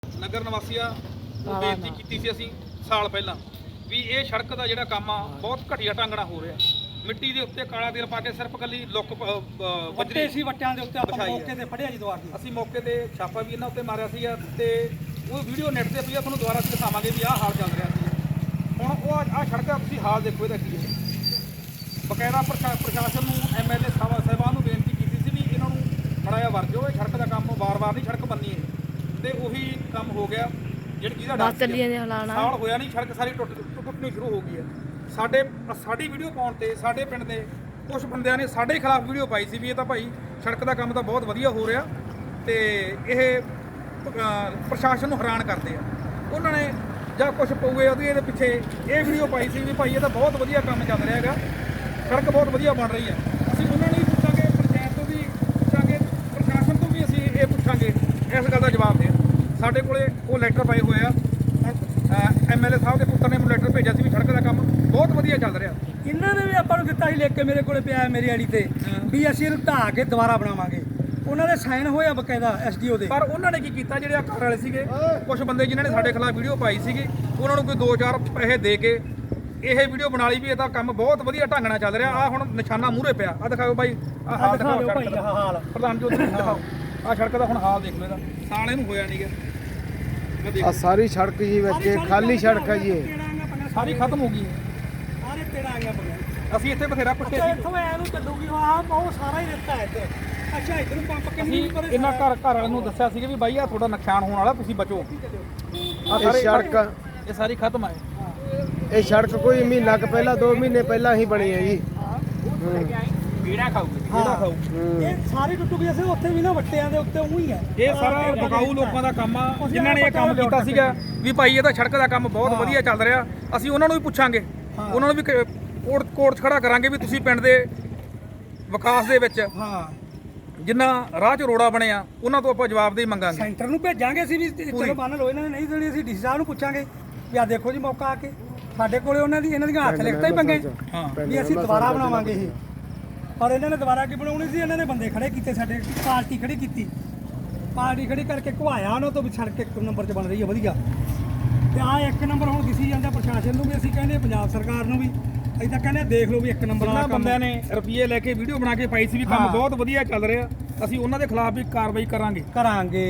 ਨਗਰ ਨਿਵਾਸੀਆਂ ਨੂੰ ਬੇਨਤੀ ਕੀਤੀ ਸੀ ਅਸੀਂ ਸਾਲ ਪਹਿਲਾਂ ਵੀ ਇਹ ਸੜਕ ਦਾ ਜਿਹੜਾ ਕੰਮ ਆ ਬਹੁਤ ਘਟੀਆ ਢੰਗ ਨਾਲ ਹੋ ਰਿਹਾ। ਮਿੱਟੀ ਦੇ ਉੱਤੇ ਕਾਲਾ ਤੇਲ ਪਾ ਕੇ ਸਿਰਫ ਕੱਲੀ ਲੁੱਕ ਵੱਟੇ ਸੀ ਵੱਟਿਆਂ ਦੇ ਉੱਤੇ ਆਪਾਂ ਮੌਕੇ ਤੇ ਫੜਿਆ ਜੀ ਦੁਆਰ ਦੀ। ਅਸੀਂ ਮੌਕੇ ਤੇ ਛਾਪਾ ਵੀ ਇਹਨਾਂ ਉੱਤੇ ਮਾਰਿਆ ਸੀ ਤੇ ਉਹ ਵੀਡੀਓ ਨੈਟ ਤੇ ਪਈ ਆ, ਤੁਹਾਨੂੰ ਦੁਬਾਰਾ ਅਸੀਂ ਦਿਖਾਵਾਂਗੇ ਵੀ ਆਹ ਹਾਲ ਚੱਲ ਰਿਹਾ ਸੀ। ਹੁਣ ਉਹ ਆਹ ਸੜਕ ਦਾ ਤੁਸੀਂ ਹਾਲ ਦੇਖੋ ਇਹਦਾ ਕੀ ਹੈ। ਬਕਾਇਦਾ ਪ੍ਰਸ਼ਾਸਨ ਨੂੰ ਐਮਐਲਏ ਸਾਹਿਬਾਨ ਨੂੰ ਬੇਨਤੀ ਕੀਤੀ ਸੀ ਵੀ ਇਹਨਾਂ ਨੂੰ ਮੜਾਇਆ ਵਰਜੋ, ਇਹ ਸੜਕ ਦਾ ਕੰਮ ਵਾਰ-ਵਾਰ ਨਹੀਂ ਸੜਕ ਬੰਨੀ ਹੈ ਤੇ ਉਹੀ ਕੰਮ ਹੋ ਗਿਆ ਜਿਹਦਾ ਸਾਲ ਹੋਇਆ ਨਹੀਂ, ਸੜਕ ਸਾਰੀ ਟੁੱਟਣੀ ਸ਼ੁਰੂ ਹੋ ਗਈ ਹੈ। ਸਾਡੀ ਵੀਡੀਓ ਪਾਉਣ ਤੇ ਸਾਡੇ ਪਿੰਡ ਦੇ ਕੁਝ ਬੰਦਿਆਂ ਨੇ ਸਾਡੇ ਖਿਲਾਫ ਵੀਡੀਓ ਪਾਈ ਸੀ ਵੀ ਇਹ ਤਾਂ ਭਾਈ ਸੜਕ ਦਾ ਕੰਮ ਤਾਂ ਬਹੁਤ ਵਧੀਆ ਹੋ ਰਿਹਾ ਤੇ ਇਹ ਪ੍ਰਸ਼ਾਸਨ ਨੂੰ ਹੈਰਾਨ ਕਰਦੇ ਆ। ਉਹਨਾਂ ਨੇ ਜਾਂ ਕੁਝ ਪਊਏ ਉਹਦੀ ਇਹਦੇ ਪਿੱਛੇ ਇਹ ਵੀਡੀਓ ਪਾਈ ਸੀ ਵੀ ਭਾਈ ਇਹ ਤਾਂ ਬਹੁਤ ਵਧੀਆ ਕੰਮ ਚੱਲ ਰਿਹਾ ਹੈਗਾ, ਸੜਕ ਬਹੁਤ ਵਧੀਆ ਬਣ ਰਹੀ ਹੈ। ਅਸੀਂ ਉਹਨਾਂ ਨੂੰ ਵੀ ਪੁੱਛਾਂਗੇ, ਪੰਚਾਇਤ ਤੋਂ ਵੀ ਪੁੱਛਾਂਗੇ, ਪ੍ਰਸ਼ਾਸਨ ਤੋਂ ਵੀ ਅਸੀਂ ਇਹ ਪੁੱਛਾਂਗੇ, ਇਸ ਗੱਲ ਦਾ ਜਵਾਬ ਦੇਣ। ਸਾਡੇ ਕੋਲੇ ਉਹ ਲੈਟਰ ਪਏ ਹੋਏ ਆ। ਐਮਐਲਏ ਸਾਹਿਬ ਦੇ ਪੁੱਤਰ ਨੇ ਮੈਨੂੰ ਲੈਟਰ ਭੇਜਿਆ ਸੀ ਵੀ ਸੜਕ ਦਾ ਕੰਮ ਬਹੁਤ ਵਧੀਆ ਚੱਲ ਰਿਹਾ। ਇਹਨਾਂ ਨੇ ਵੀ ਆਪਾਂ ਨੂੰ ਦਿੱਤਾ ਸੀ ਲਿਖ ਕੇ, ਮੇਰੇ ਕੋਲੇ ਪਿਆ ਮੇਰੀ ਆੜੀ ਤੇ ਵੀ ਅਸੀਂ ਇਹਨੂੰ ਢਾਹ ਕੇ ਦੁਬਾਰਾ ਬਣਾਵਾਂਗੇ। ਉਹਨਾਂ ਦੇ ਸਾਈਨ ਹੋਏ ਆ ਬਕਾਇਦਾ ਐਸਡੀਓ ਦੇ। ਪਰ ਉਹਨਾਂ ਨੇ ਕੀ ਕੀਤਾ, ਜਿਹੜੇ ਆ ਘਰ ਵਾਲੇ ਸੀਗੇ ਕੁਝ ਬੰਦੇ ਜਿਨ੍ਹਾਂ ਨੇ ਸਾਡੇ ਖਿਲਾਫ ਵੀਡੀਓ ਪਾਈ ਸੀਗੀ, ਉਹਨਾਂ ਨੂੰ ਕੋਈ 2-4 ਪੈਸੇ ਦੇ ਕੇ ਇਹ ਵੀਡੀਓ ਬਣਾ ਲਈ ਵੀ ਇਹ ਤਾਂ ਕੰਮ ਬਹੁਤ ਵਧੀਆ ਢੰਗ ਨਾਲ ਚੱਲ ਰਿਹਾ। ਆ ਹੁਣ ਨਿਸ਼ਾਨਾ ਮੂਹਰੇ ਪਿਆ, ਆ ਦਿਖਾਓ ਬਾਈ, ਆ ਹਾਲ ਦਿਖਾਓ ਸੜਕ ਦਾ ਹਾਲ। ਪ੍ਰਧਾਨ ਜੀ ਉੱਧਰ ਦਿਖਾਓ, ਆ ਸੜਕ ਦਾ ਹੁਣ ਹਾਲ ਦੇਖ ਲਓ ਇਹਦਾ, ਸਾਲ ਇਹਨੂੰ ਹੋਇਆ ਨਹੀਂਗਾ। ਆ ਸਾਰੀ ਸੜਕ ਜੀ ਵਿੱਚ ਖਾਲੀ ਸੜਕ ਹੈ ਜੀ, ਇਹ ਸਾਰੀ ਖਤਮ ਹੋ ਗਈ। ਸਾਰੇ ਤੇੜਾ ਆਈਆਂ ਬਗੈਰ ਅਸੀਂ ਇੱਥੇ ਬਥੇਰਾ ਪੁੱਟੇ ਸੀ, ਇੱਥੋਂ ਐ ਨੂੰ ਚੱਲੂਗੀ ਆਹ ਉਹ ਸਾਰਾ ਹੀ ਦਿੱਤਾ ਹੈ ਇੱਥੇ। ਅੱਛਾ ਇੱਧਰ ਨੂੰ ਪੰਪ ਕਿੰਨੀ ਪਰ ਇਹਨਾਂ ਘਰ ਵਾਲਿਆਂ ਨੂੰ ਦੱਸਿਆ ਸੀਗਾ ਵੀ ਬਾਈ ਆ ਤੁਹਾਡਾ ਨੁਕਸਾਨ ਹੋਣ ਵਾਲਾ, ਤੁਸੀਂ ਬਚੋ। ਇਹ ਸੜਕ ਇਹ ਸਾਰੀ ਖਤਮ ਹੈ। ਇਹ ਸੜਕ ਕੋਈ ਮਹੀਨਾ ਕੁ ਪਹਿਲਾਂ 2 ਮਹੀਨੇ ਪਹਿਲਾਂ ਹੀ ਬਣੀ ਹੈ ਜੀ। ਕੀੜਾ ਖਾਊ ਇਹ ਸਾਰੀ ਟੁੱਟ ਗਈ। ਅਸੀਂ ਉੱਥੇ ਵੀ ਨਾ ਵੱਟਿਆਂ ਦੇ ਉੱਤੇ ਉਹੀ ਹੈ। ਇਹ ਸਾਰਾ ਬਕਾਊ ਲੋਕਾਂ ਦਾ ਕੰਮ ਆ, ਜਿਨ੍ਹਾਂ ਨੇ ਇਹ ਕੰਮ ਕੀਤਾ ਸੀਗਾ ਵੀ ਭਾਈ ਇਹ ਤਾਂ ਸੜਕ ਦਾ ਕੰਮ ਬਹੁਤ ਵਧੀਆ ਚੱਲ ਰਿਹਾ। ਅਸੀਂ ਉਹਨਾਂ ਨੂੰ ਵੀ ਪੁੱਛਾਂਗੇ, ਉਹਨਾਂ ਨੂੰ ਵੀ ਕੋਰਟ 'ਚ ਖੜਾ ਕਰਾਂਗੇ ਵੀ ਤੁਸੀਂ ਪਿੰਡ ਦੇ ਵਿਕਾਸ ਦੇ ਵਿੱਚ ਜਿੰਨਾ ਰਾਹ 'ਚ ਰੋੜਾ ਬਣਿਆ ਉਹਨਾਂ ਤੋਂ ਆਪਾਂ ਜਵਾਬਦੇਹੀ ਮੰਗਾਂਗੇ। ਸੈਂਟਰ ਨੂੰ ਭੇਜਾਂਗੇ ਅਸੀਂ ਵੀ, ਚਲੋ ਮੰਨ ਲਓ ਇਹਨਾਂ ਨੇ ਨਹੀਂ ਦੇਣੀ, ਅਸੀਂ ਡੀਸੀ ਸਾਹਿਬ ਨੂੰ ਪੁੱਛਾਂਗੇ ਵੀ ਆ ਦੇਖੋ ਜੀ ਮੌਕਾ ਆ ਕੇ ਸਾਡੇ ਕੋਲੇ ਇਹਨਾਂ ਦੀਆਂ ਹੱਥ ਲਿਖਤਾਂ ਹੀ ਪੰਗੇ ਵੀ ਅਸੀਂ ਦੁਬਾਰਾ ਬਣਾਵਾਂਗੇ ਇਹ। ਪਰ ਇਹਨਾਂ ਨੇ ਦੁਬਾਰਾ ਕੀ ਬਣਾਉਣੀ ਸੀ, ਇਹਨਾਂ ਨੇ ਬੰਦੇ ਖੜੇ ਕੀਤੇ, ਸਾਡੇ ਪਾਰਟੀ ਖੜੀ ਕੀਤੀ, ਪਾਰਟੀ ਖੜੀ ਕਰਕੇ ਘੁਆਇਆ ਉਹਨਾਂ ਤੋਂ ਵੀ ਸੜਕ 1 ਨੰਬਰ 'ਚ ਬਣ ਰਹੀ ਹੈ ਵਧੀਆ। ਤੇ ਆ 1 ਨੰਬਰ ਹੁਣ ਦਿਸੀ ਜਾਂਦਾ ਪ੍ਰਸ਼ਾਸਨ ਨੂੰ ਵੀ, ਅਸੀਂ ਕਹਿੰਦੇ ਪੰਜਾਬ ਸਰਕਾਰ ਨੂੰ ਵੀ, ਅਸੀਂ ਤਾਂ ਕਹਿੰਦੇ ਦੇਖ ਲਓ ਵੀ 1 ਨੰਬਰ ਵਾਲਾ ਬੰਦਿਆਂ ਨੇ ਰੁਪਏ ਲੈ ਕੇ ਵੀਡੀਓ ਬਣਾ ਕੇ ਪਾਈ ਸੀ ਵੀ ਕੰਮ ਬਹੁਤ ਵਧੀਆ ਚੱਲ ਰਿਹਾ। ਅਸੀਂ ਉਹਨਾਂ ਦੇ ਖਿਲਾਫ ਵੀ ਕਾਰਵਾਈ ਕਰਾਂਗੇ।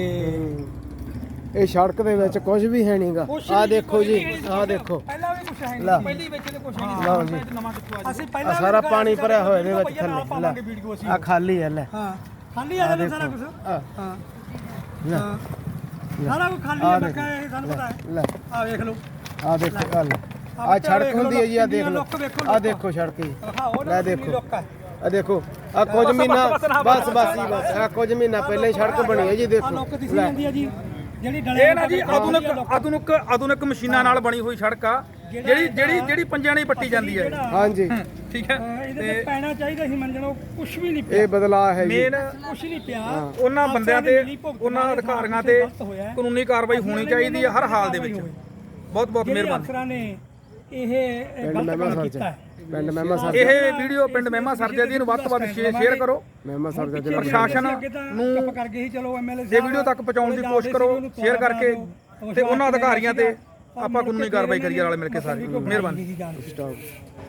ਇਹ ਸੜਕ ਦੇ ਵਿੱਚ ਕੁਝ ਵੀ ਹੈ ਨਹੀਂਗਾ। ਆ ਦੇਖੋ ਜੀ, ਆ ਦੇਖੋ ਪਹਿਲਾਂ ਵੀ ਕੁਛ ਹੈ ਲਾ। ਨਹੀਂ, ਪਹਿਲੀ ਵਿੱਚ ਤੇ ਕੁਝ ਨਹੀਂ ਸੀ, ਨਵਾਂ ਕਿੱਥੋਂ ਆ ਅਸੀਂ ਆ ਪਹਿਲਾਂ ਸਾਰਾ ਪਾਣੀ ਭਰਿਆ ਹੋਇਆ ਇਹਦੇ ਵਿੱਚ ਨਾਲ ਪਾਵਾਂਗੇ ਥੱਲੇ। ਵੀਡੀਓ ਅਸੀਂ। ਆ ਖਾਲੀ ਹੈ ਲੈ, ਹਾਂ ਖਾਲੀ ਆ ਜਾਣਾ ਸਾਰਾ ਕੁਝ। ਆ ਹਾਂ ਲੈ, ਸਾਰਾ ਕੁਝ ਖਾਲੀ ਹੈ ਬੱਕਾ, ਇਹ ਸਾਨੂੰ ਪਤਾ ਹੈ। ਲੈ ਆ ਵੇਖ ਲਓ, ਆ ਦੇਖੋ, ਆ ਲੈ ਆ ਸੜਕ ਹੁੰਦੀ ਹੈ ਜੀ, ਆ ਦੇਖ ਲਓ, ਆ ਦੇਖੋ ਸੜਕ ਜੀ, ਲੈ ਦੇਖੋ, ਆ ਦੇਖੋ, ਆ ਕੁਝ ਮਹੀਨਾ ਬਸ ਹੀ ਬਸ ਆ ਕੁਝ ਮਹੀਨਾ ਪਹਿਲਾਂ ਹੀ ਸੜਕ ਬਣੀ ਹੈ ਜੀ। ਦੇਖੋ ਲੋਕ ਦਿਸੀ ਜਾਂਦੀ ਹੈ ਜੀ, ਜਿਹੜੀ ਡਲੇ ਇਹ ਨਾ ਜੀ ਆਧੁਨਿਕ ਮਸ਼ੀਨਾਂ ਨਾਲ ਬਣੀ ਹੋਈ ਸੜਕ ਆ, ਜਿਹੜੀ ਪੰਜਾਂ ਨਾਲ ਪੱਟੀ ਜਾਂਦੀ ਹੈ। ਹਾਂਜੀ ਠੀਕ ਹੈ, ਇਹਦੇ ਤੇ ਪੈਣਾ ਚਾਹੀਦਾ ਸੀ ਮੰਨਣੋ, ਕੁਝ ਵੀ ਨਹੀਂ ਪਿਆ। ਇਹ ਬਦਲਾਅ ਹੈ ਜੀ, ਮੇਨ ਕੁਝ ਨਹੀਂ ਪਿਆ। ਉਹਨਾਂ ਬੰਦਿਆਂ ਤੇ ਉਹਨਾਂ ਅਧਿਕਾਰੀਆਂ ਤੇ ਕਾਨੂੰਨੀ ਕਾਰਵਾਈ ਹੋਣੀ ਚਾਹੀਦੀ ਹੈ ਹਰ ਹਾਲ ਦੇ ਵਿੱਚ। ਬਹੁਤ ਮਿਹਰਬਾਨੀ। ਅਫਸਰਾਂ ਨੇ ਇਹ ਗਲਤ ਕੰਮ ਕੀਤਾ ਹੈ। ਪਿੰਡ ਮਹਿਮਾ ਸਰ ਇਹ ਵੀਡੀਓ ਪਿੰਡ ਮਹਿਮਾ ਸਰਜਾ ਦੀ ਨੂੰ ਵੱਧ ਤੋਂ ਵੱਧ ਸ਼ੇਅਰ ਕਰੋ। ਮਹਿਮਾ ਸਰ ਦਾ ਪ੍ਰਸ਼ਾਸਨ ਨੂੰ ਚੁੱਪ ਕਰ ਗਏ ਸੀ, ਚਲੋ ਐਮਐਲਏ ਇਹ ਵੀਡੀਓ ਤੱਕ ਪਹੁੰਚਾਉਣ ਦੀ ਕੋਸ਼ਿਸ਼ ਕਰੋ, ਸ਼ੇਅਰ ਕਰਕੇ, ਤੇ ਉਹਨਾਂ ਅਧਿਕਾਰੀਆਂ ਤੇ ਆਪਾਂ ਕਾਨੂੰਨੀ ਕਾਰਵਾਈ ਕਰੀਏ ਨਾਲ ਮਿਲ ਕੇ ਸਾਰੇ। ਮਿਹਰਬਾਨੀ।